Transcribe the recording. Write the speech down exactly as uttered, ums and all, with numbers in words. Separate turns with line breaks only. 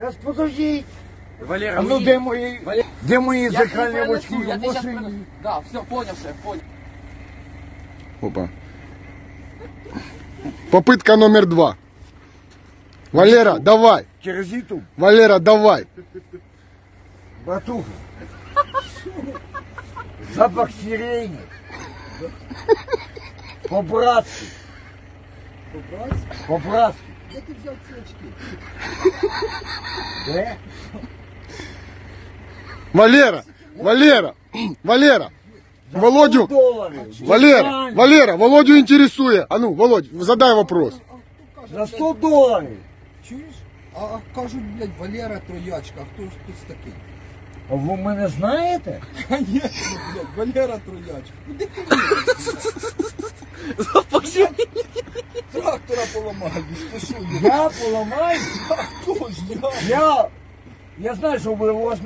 Сейчас подожди.
Валера,
А ну
уйди.
де мої,
Валера,
де мої
я
зеркальні
тебе
очки
принесу, я
в
тебе сейчас
машині?
принесу. Да, все, понял, шеф, понял.
Опа. Попытка номер два. Валера, давай.
Через YouTube.
Валера, давай.
Братуха. Запах сирени. По-братски.
По-братськи?
По-братски.
Де ти взяв ці очки?
Де?
Валера, Валера, Валера. Володю,
Доларів.
Валера, Валера, Володю интересует. А ну, Володь, задай вопрос.
А хто
За
каже,
сто доларів.
чуєш? А, а кажуть, блядь, Валера Троячка, а хто ж тут такий?
А ви мене знаєте?
Конечно, блядь, Валера Троячка. Куди ти
Пошли.
трактора поламаєш? Ти що,
Я поламаю?
хто ж я?
Я, я знаю, що ви у вас